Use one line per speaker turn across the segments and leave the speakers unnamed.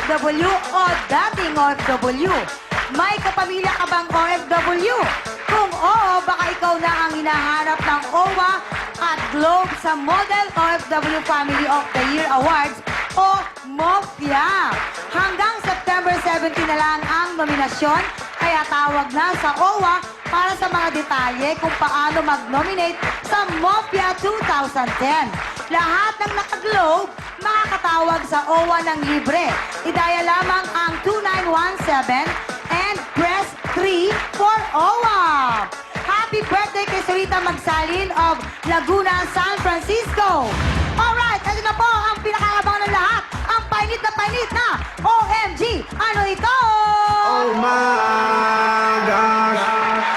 OFW o dating OFW? May kapamilya ka bang OFW? Kung oo, baka ikaw na ang hinahanap ng OWA at Globe sa Model OFW Family of the Year Awards o MOFIA. Hanggang September 17 na lang ang nominasyon, kaya tawag na sa OWA para sa mga detalye kung paano mag-nominate sa MOFIA 2010. Lahat ng naka-Globe makakatawag sa OWA ng libre. Idaya lamang ang 2917 and press 3 for OWA. Happy birthday kay Sarita Magsalin of Laguna, San Francisco. Alright, ito na po ang pinakaabangan ng lahat. Ang painit na OMG. Ano ito?
Oh my gosh!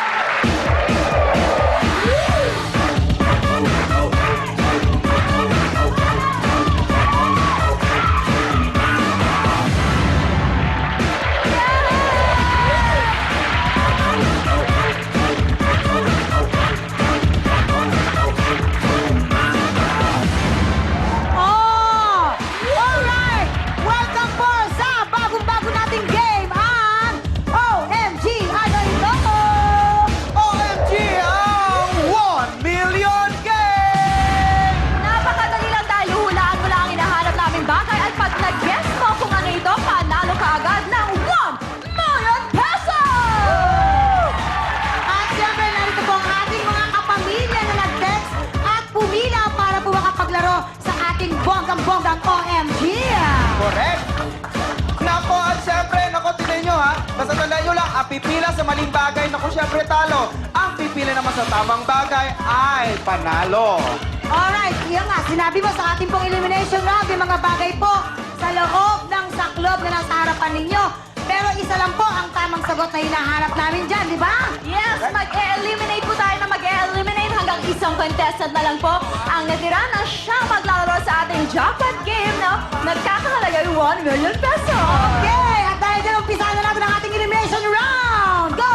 Oh! Alright! Welcome po sa bagong-bago nating game, ang OMG. Ano ito?
OMG ang 1 million game!
Napakadali lang dahil hulaan mo lang ang hinahanap naming bagay at pag nag-guess mo kung ano ito, panalo ka agad ng 1 million pesos!
At siyempre, narito po ang ating mga kapamilya na nag-text at pumila para po makapaglaro sa ating bonggang-bonggang OMG.
Correct! Nako, at syempre, nako, tignan nyo ha. Basta tandaan nyo lang, ang pipila sa maling bagay, nako, syempre talo. Ang pipila naman sa tamang bagay ay panalo.
Alright, yan nga, sinabi mo sa ating pong elimination round, yung mga bagay po sa loob ng saklob na nasa harapan ninyo. Pero isa lang po ang tamang sagot na hinahanap namin dyan, di ba?
Yes, mag-eliminate po tayo na mag-eliminate hanggang isang contestant na lang po ang natira na siyang maglalaro sa ating jackpot game na nagkakahalaga yung 1 million pesos.
Okay, at dahil dyan, umpisahan na natin ang ating elimination round. Go!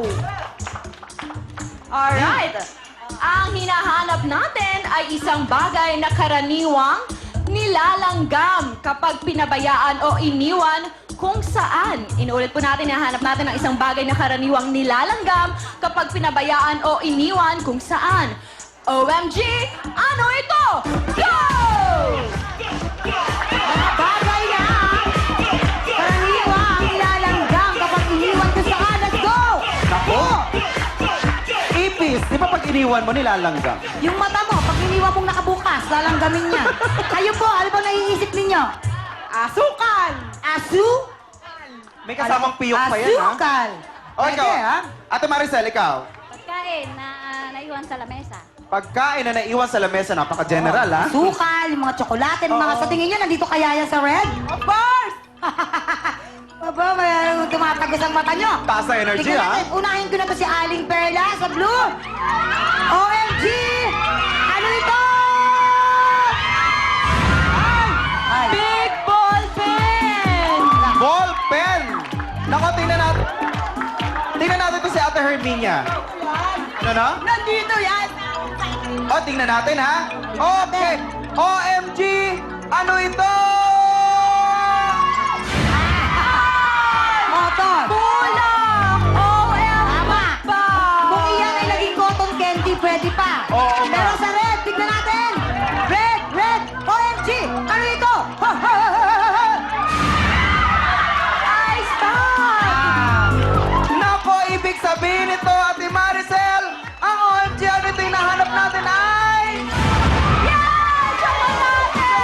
Alright. Ang hinahanap natin ay isang bagay na karaniwang nilalanggam kapag pinabayaan o iniwan kung saan. Inuulit po natin, hinahanap natin ang isang bagay na karaniwang nilalanggam kapag pinabayaan o iniwan kung saan. OMG, ano ito? Go!
Mga bagay na karaniwang nilalanggam kapag iniwan ko saan. Let's go!
Nako! Ipis, di ba pag iniwan mo nilalanggam?
Yung mata mo, pag iniwan mong nakabukas, lalanggamin niya. Kayo po, ano ba naiisip ninyo?
Asukal!
Asu?
May kasamang piyok pa yan, ha?
Asukal.
O, ikaw,
Pwede, ha?
Ate Maricel, ikaw.
Pagkain na naiwan sa lamesa.
Pagkain na naiwan sa lamesa, napaka-general, ha?
Asukal, yung mga tsokolate, yung mga sa tingin nyo, nandito kaya yan sa red?
Of course!
Aba, may tumatagos ang mata nyo.
Taas na energy,
Tingnan
ha?
natin, unahin ko na to si Aling Perla sa blue. OMG! Ano ito? Ay!
Big ball pen!
Ball pen! Nako, tingnan natin. Tingnan natin to si Ate Herminia. Ano na?
Nandito yan!
O, tingnan natin, ha? Okay. OMG! Ano ito?
Motor.
Kulang! OM
Tama.
ba?
Kung iyan ay naging cotton candy, pwede pa.
Oo nga.
Pero sa red, tignan natin. Red, red, OMG! Ano ito?
Ice bag!
Nako, ibig sabihin ito, Ate Maricel, ang OMG, ano ito yung nahanap natin ay...
Yan! Chocolate!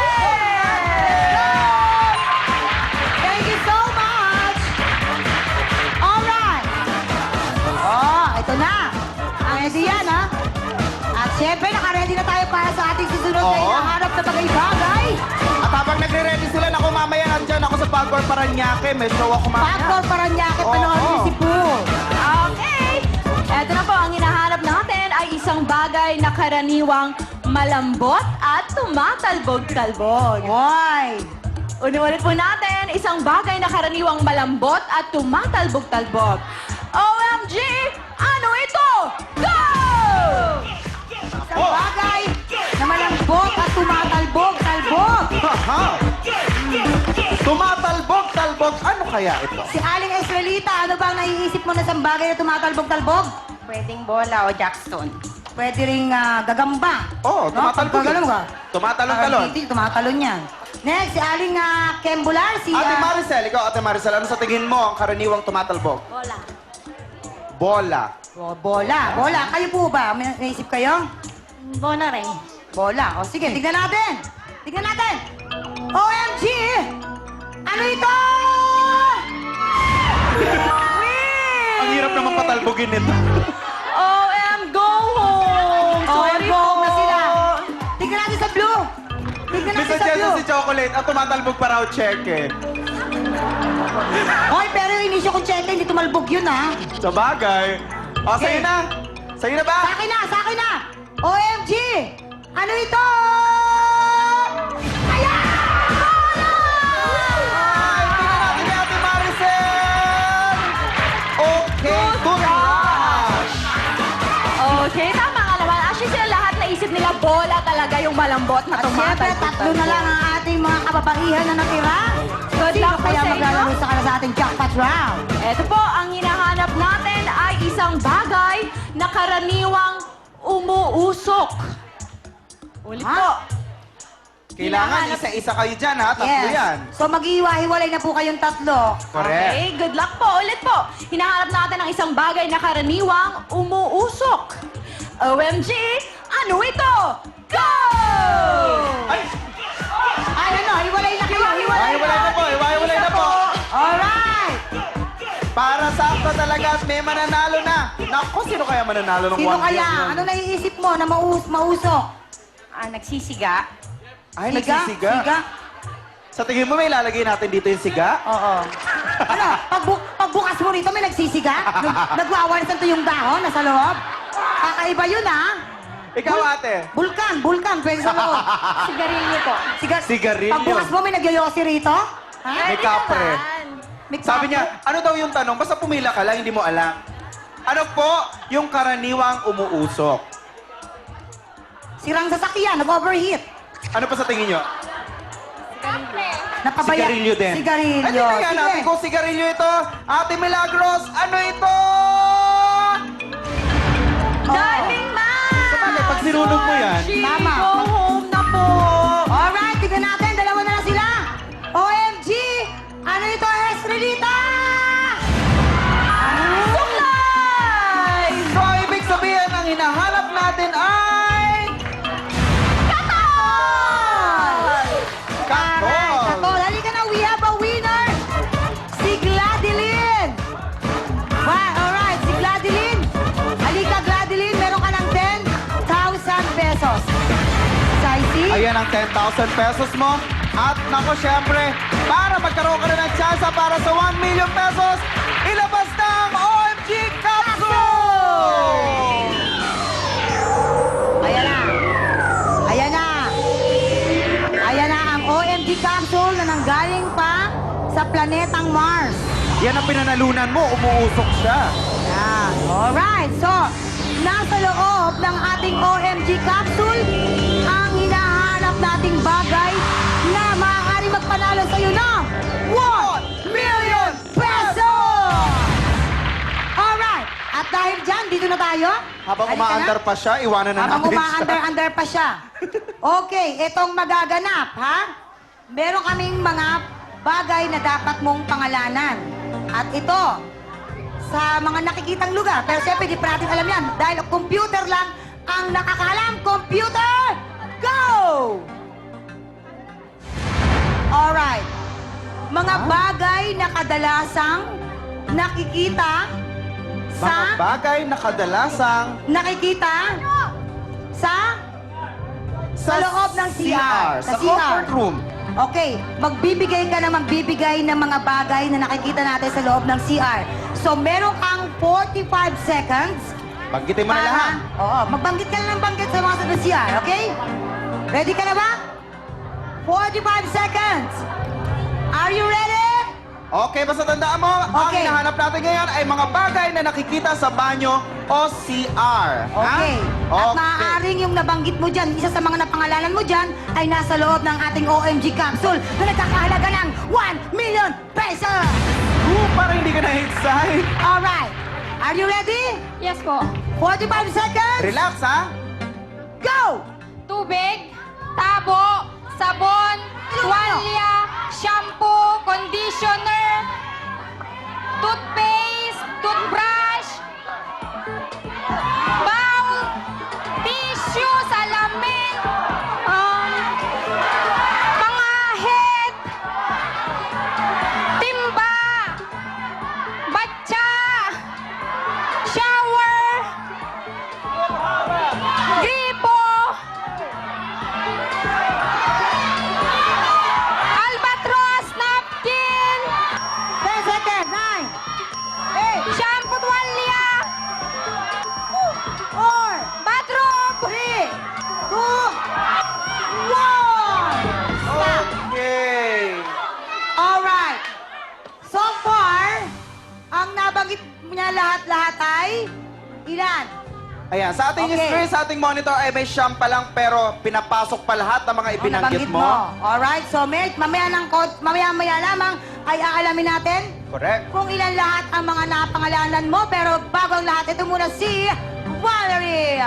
Thank you so much! Alright! Oh, ito na. Ang ready yan, ha? At syempre, naka-ready na tayo para sa ating susunod na
Oo.
hinahanap na bagay-bagay.
At habang nagre-ready sila, naku, mamaya nandyan ako sa Pagor Paranaque. May show ako mamaya.
Pagkor Paranaque,
Oo.
panoorin niyo si Poo.
Okay! Eto na po, ang hinahanap natin ay isang bagay na karaniwang malambot at tumatalbog-talbog.
Hoy!
Unulit po natin, isang bagay na karaniwang malambot at tumatalbog-talbog. OMG! Ano ito? Go!
Isang bagay na malambot at tumatalbog-talbog.
Haha! Tumatalbog tumatalbog. Ano kaya ito?
Si Aling Esrelita, ano bang naiisip mo na sa bagay na tumatalbog-talbog?
Pwedeng bola o jackstone.
Pwede ring gagamba.
Oo, tumatalbog.
Pagkaganon ka.
Tumatalon-talon.
Hindi, tumatalon yan. Next, si Aling Kembular, si...
Ate Maricel, ikaw, Ate Maricel, ano sa tingin mo ang karaniwang tumatalbog?
Bola.
Bola.
Bola. Bola. Kayo po ba? May naisip kayo?
Bola rin.
Bola. O sige, tignan natin. Tignan natin. OMG! Ano ito?
Ang hirap naman patalbogin nito.
OM, go home! Sorry
go
po.
na sila. Tignan natin sa blue. Tignan natin
Mr.
sa
Jason
blue.
si Chocolate, ang tumatalbog pa raw check eh.
Hoy, pero yung inisyo kong check, hindi tumalbog yun, ha?
Sa bagay. O, sa'yo
Okay.
na. Sa'yo na ba?
Sa akin na, sa akin na. OMG! Ano ito? Ayan!
Ay, tingnan natin kay Ate Maricel! Okay, good rush!
Okay, tama nga naman. Actually, sila lahat naisip nila bola talaga yung malambot na
At syempre,
tumatalbog.
tatlo na lang ang ating mga kababaihan na natira.
Good
Sino
luck po
kaya
sa inyo.
maglalaro sa kanila sa ating jackpot round?
Ito po, ang hinahanap natin ay isang bagay na karaniwang umuusok. Ulit
Ha?
po.
Kailangan isa-isa kayo dyan, ha? Tatlo yan.
So mag-iiwa-hiwalay na po kayong tatlo.
Correct.
Okay, good luck po. Ulit po. Hinahanap natin ang isang bagay na karaniwang umuusok. OMG, ano ito? Go!
Ay!
Ay, ano? Hiwalay na kayo. Hiwalay
Iwaiwalay na po, iwaiwalay na po.
Alright!
Para sakto talaga at may mananalo na. Naku, sino kaya mananalo ng 1
Sino
million?
kaya? Ano naiisip mo na mausok?
Nagsisiga.
Ay,
Siga?
nagsisiga.
Siga?
Sa tingin mo, may ilalagay natin dito yung siga?
Oo. Ano? Pagbukas mo rito, may nagsisiga? Nagwawansan to yung dahon nasa loob? Kakaiba yun, ha?
Ikaw, ate.
Bulkan, pwede sa loob.
Sigarilyo po.
Sigarilyo.
Pagbukas mo, may nagyoyosi rito? Ha?
May kapre.
May
Sabi
kapre?
niya, ano daw yung tanong? Basta pumila ka lang, hindi mo alam. Ano po yung karaniwang umuusok?
Sirang sasakyan, nag-overheat.
Ano pa sa tingin niyo?
Napabaya.
Sigarilyo din.
Sigarilyo.
Ay, tingnan
Sige.
natin kung sigarilyo ito. Ate Milagros, ano ito?
Darling man!
Sabagay, pag sinunog mo yan.
Sorry,
Tama.
Go home na po.
Alright, tignan natin. Dalawa na lang sila. OMG! Ano ito, Esrelita?
Suklay!
So, ibig sabihin, ang hinahanap natin ay... Katol!
Katol, halika na. We have a winner. Si Gladilyn. Wow, alright. Si Gladilyn. Halika, Gladilyn. Meron ka ng 10,000 pesos. Saisi?
Ayan ang 10,000 pesos mo. At nako, syempre, para magkaroon ka na ng tsansa para sa 1 million pesos, ilabas na ang OMG Capsule!
Ayan na. Ayan na. Ayan na ang OMG capsule na nanggaling pa sa planetang Mars.
Yan ang pinanalunan mo, umuusok siya.
Yan. Alright. So, nasa loob ng ating OMG capsule ang hinahanap nating bagay na maaari magpanalo sa'yo ng 1 million pesos! Alright. At dahil dyan, dito na tayo.
Habang
Halika na.
umaandar pa siya, iwanan na
Habang
natin siya.
umaandar-andar pa siya. Okay, itong magaganap, ha? Meron kaming mga bagay na dapat mong pangalanan. At ito, sa mga nakikitang lugar. Pero siyempre, di pa natin alam yan. Dahil computer lang ang nakakalam. Computer, go! Alright. Mga bagay na kadalasang nakikita
Mga
sa...
bagay na kadalasang
Nakikita sa loob ng CR.
Sa comfort room.
Okay, magbibigay ng mga bagay na nakikita natin sa loob ng CR. So, meron kang 45 seconds.
Banggitin mo na lahat.
Oo, magbanggit ka na ng banggit sa mga sa CR, okay? Ready ka na ba? 45 seconds. Are you ready?
Okay, basta tandaan mo, ang
Okay.
hinahanap natin ngayon ay mga bagay na nakikita sa banyo o CR.
Okay.
Ha?
At maaaring yung nabanggit mo dyan, isa sa mga napangalanan mo dyan, ay nasa loob ng ating OMG capsule na nagkakahalaga ng 1 million pesos!
Parang hindi ka na-excite.
Alright. Are you ready?
Yes po.
45 seconds.
Relax, ha?
Go!
Tubig, tabo, sabon, tuwalya, shampoo, conditioner, toothpaste, toothbrush, bowl, tissue, salamin, pangahit, timba, batya, shower, gripo, albatros, napkin,
10 seconds. 9, 8,
shampoo, tuwalya,
4,
bathroom,
3, 2, 1.
Okay.
Alright. So far, ang nabanggit niya lahat-lahat ay ilan?
Ayan, sa ating
Okay.
screen, sa ating monitor ay may siyam pa lang pero pinapasok pa lahat ng mga ibinanggit
Nabanggit
mo.
Alright, so mamaya-maya lamang ay aalamin natin
Correct.
kung ilan lahat ang mga napangalanan mo. Pero bago ang lahat, ito muna si Valerie.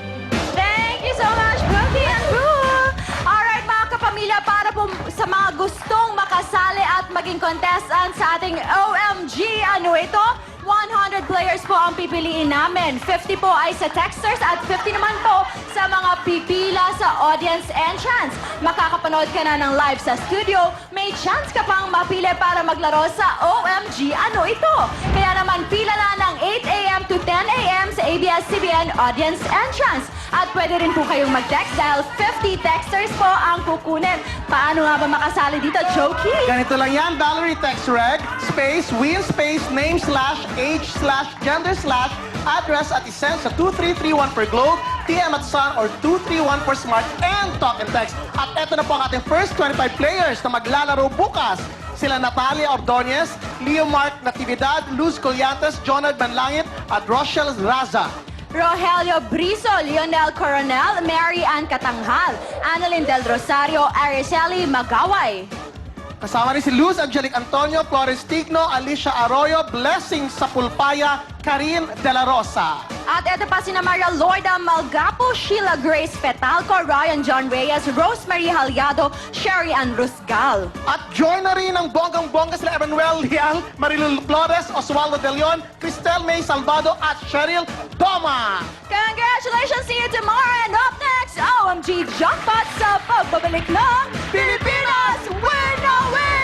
Thank you so much, Brookie and Boo! Alright, mga kapamilya, para po sa mga gustong makasali at maging contestant sa ating OMG, ano ito? 100 players po ang pipiliin namin. 50 po ay sa texters at 50 naman po sa mga pipila sa audience entrance. Makakapanood ka na ng live sa studio, may chance ka pang mapili para maglaro sa OMG, ano ito? Kaya naman pila na ng 8 a.m. to 10 a.m. sa ABS-CBN audience entrance. At pwede rin po kayong mag-text dahil 50 texters po ang kukunin. Paano nga ba makasali dito, Jokey?
Ganito lang yan, Valerie text reg, space, win, space, name, slash, age, slash, gender, slash, address at isend sa 2331 for Globe, TM at Sun, or 231 for Smart and Talk and Text. At eto na po ang ating first 25 players na maglalaro bukas. Sila Natalia Ordonez, Leo Mark Natividad, Luz Collantes, Jonad Banlangit, at Rochelle Raza.
Rogelio Brizo, Lionel Coronel, Mary Ann Katanghal, Annalyn Del Rosario, Araceli Magaway.
Kasama rin si Luz Angelic Antonio, Flores Tigno, Alicia Arroyo, Blessing Sapulpaya, Karin De La Rosa.
At eto pa sina Maria Lorda Malgapo, Sheila Grace Petalco, Ryan John Reyes, Rosemary Halyado, Sherry Ann Rusgal.
At join na rin ang bonggang-bongga sila Emmanuel Liang, Marilyn Flores, Oswaldo De Leon, Cristel May Salvado at Cheryl Doma.
Congratulations! See you tomorrow! And up next, OMG Jackpot sa pagbabalik ng Pilipinas! Win na win!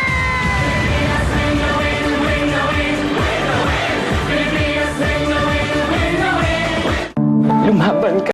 Lumaban ka.